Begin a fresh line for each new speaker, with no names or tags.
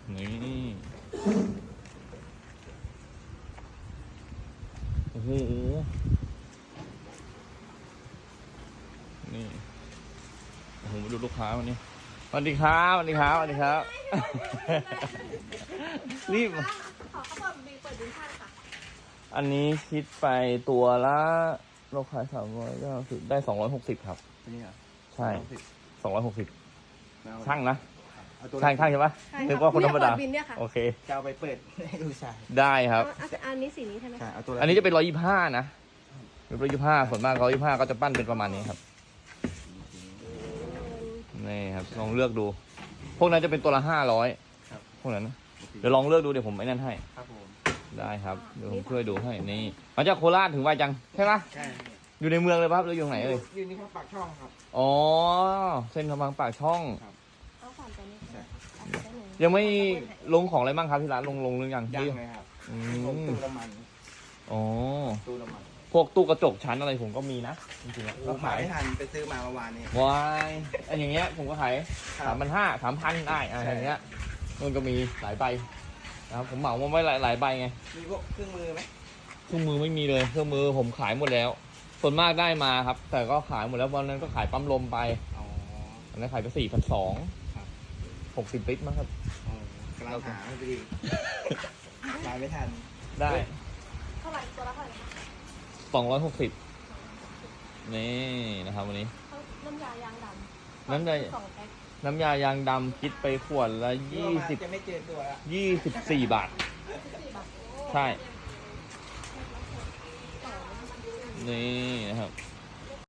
นี่โอ้โหนี่โอ้โหดูลูกค้าวันนี้สวัสดีครับสวัสดีครับสวัสดีครับรีบ
ขอเขาเปิดบินชั่นค่ะ
อันนี้คิดไปตัวละเราขาย300ก็ได้260ครับ
นี่เหรอ
ใช่260ช่างนะ
เอาตัว
ช่างใช่ปะ
ใช่
นึกว่าคนธรรมดา
เปิบินเนี่ยค่ะ
โอเค
จะเอาไปเปิดให้ดูชาย
ได้ครับ
อันนี้สีนี้ใช่ไหม
ใช่เอาตัว
อันนี้จะเป็น125นะเป็น125ส่วนมาก125ก็จะปั้นเป็นประมาณนี้ครับนี่ครับลองเลือกดู พวกนั้นจะเป็นตัวละ500พวกนั้นนะเดี๋ยวลองเลือกดูเดี๋ยวผมไอ้นั่นให้
ครับผม
ได้ครับเดี๋ยวผมช่วยดูให้นี่มาจากโคราชถึงไวจังใช่ปะ
ใช่
อยู่ในเมืองเลยป่ะครับหรืออยู่ไหนเอ่ย
ยืนนี่ครับปากช่องครับ
อ๋อเส้นกำลังปากช่อง
เอาสามตัวนี้
ใช่
ยังไม่ลงของอะไรบ้างครับที่ร้านลงหรือยัง
ยังเลยครับ
อื
ผม
ม
ตู้น้ำมัน
อ๋อ
ตู้น้ำมัน
พวกตู้กระจกชั้นอะไรผมก็มีนะจริงๆแล้ว
ก็
ก็
ขา
ขาย ย
ไม่ทันไปซื้อมาเมื่อวานนี้
วายอันอย่างเงี้ยผมก็ขาย
ครับ
3,500 3,000ได้
ใช่
อย่างเงี้ยมันก็มีหลายใบนะครับผมเหมามาไว้หลายใบไง
มีพวกเครื่องมือไหม
เครื่องมือไม่มีเลยเครื่องมือผมขายหมดแล้ว ส่วนมากได้มาครับ แต่ก็ขายหมดแล้ววันนั้นก็ขายปั๊มลมไป
อ๋อ
อันนั้นขายไป4,200
ครับ
60ลิตรมั้งครับ
อ๋อกำลังหาให้พอดีมาไม่ทัน
ได้
เท่าไหร่ตัวละเท่าไหร่คะ
260นี่นะครับวันนี้
น้ำยายางดำ
น้ำยา
2 แพ็ค
น้ำยายางดำคิดไปขวดละ
จะไม่เจอตัวละ
24 บาท
4 บาท
ใช่ นี่นะครับ